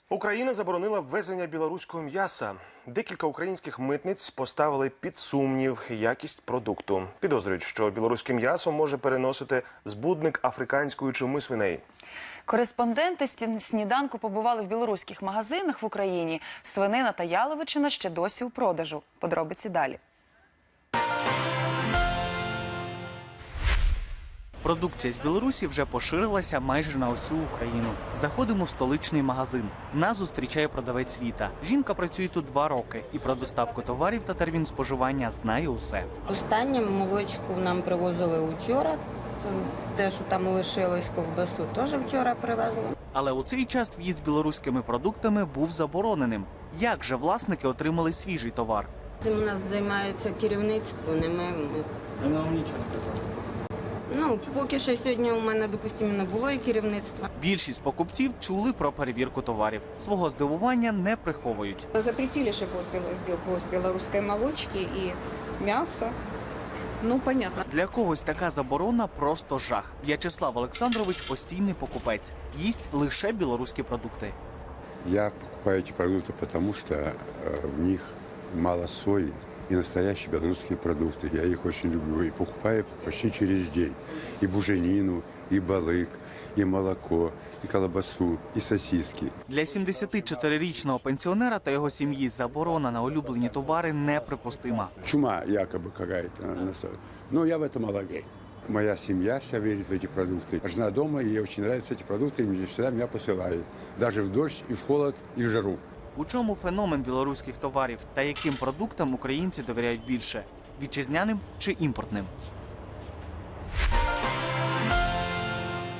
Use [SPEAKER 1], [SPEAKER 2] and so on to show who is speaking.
[SPEAKER 1] Україна заборонила ввезення білоруського м'яса. Декілька українських митниць поставили під сумнів якість продукту. Підозрюють, що білоруське м'ясо може переносити збудник африканської чуми свиней.
[SPEAKER 2] Кореспонденти сніданку побували в білоруських магазинах в Україні. Свинина та яловичина ще досі у продажу. Подробиці далі.
[SPEAKER 3] Продукція з Білорусі вже поширилася майже на всю Україну. Заходимо в столичний магазин. Нас зустрічає продавець Віта. Жінка працює тут 2 роки і про доставку товарів та термін споживання знає усе.
[SPEAKER 4] Останнє молочку нам привозили вчора. Це те, що там лишилось, ковбасу, теж вчора привезли.
[SPEAKER 3] Але у цей час в'їзд з білоруськими продуктами був забороненим. Як же власники отримали свіжий товар?
[SPEAKER 4] Цим у нас займається керівництво, не ми.
[SPEAKER 3] Вона вам нічого не казала.
[SPEAKER 4] Ну, поки що сьогодні у мене, допустимо, не було і керівництва.
[SPEAKER 3] Більшість покупців чули про перевірку товарів. Свого здивування не приховують.
[SPEAKER 5] Запретили же ввоз белорусской молочки и мяса. Ну, понятно.
[SPEAKER 3] Для когось така заборона – просто жах. В'ячеслав Олександрович – постійний покупець. Їсть лише білоруські продукти.
[SPEAKER 6] Я покупаю эти продукты, потому что в них мало сои и настоящие белорусские продукты. Я их очень люблю и покупаю почти через день. И буженину, и балык, и молоко, и колбасу, и сосиски.
[SPEAKER 3] Для 74-річного пенсіонера та його сім'ї заборона на улюблені товари неприпустима.
[SPEAKER 6] Чума якобы какая-то. Но я в это мало верю. Моя семья вся верит в эти продукты. Жена дома, ей очень нравятся эти продукты, и всегда меня посылает. Даже в дождь, и в холод, и в жару.
[SPEAKER 3] У чому феномен білоруських товарів та яким продуктам українці довіряють більше – вітчизняним чи імпортним?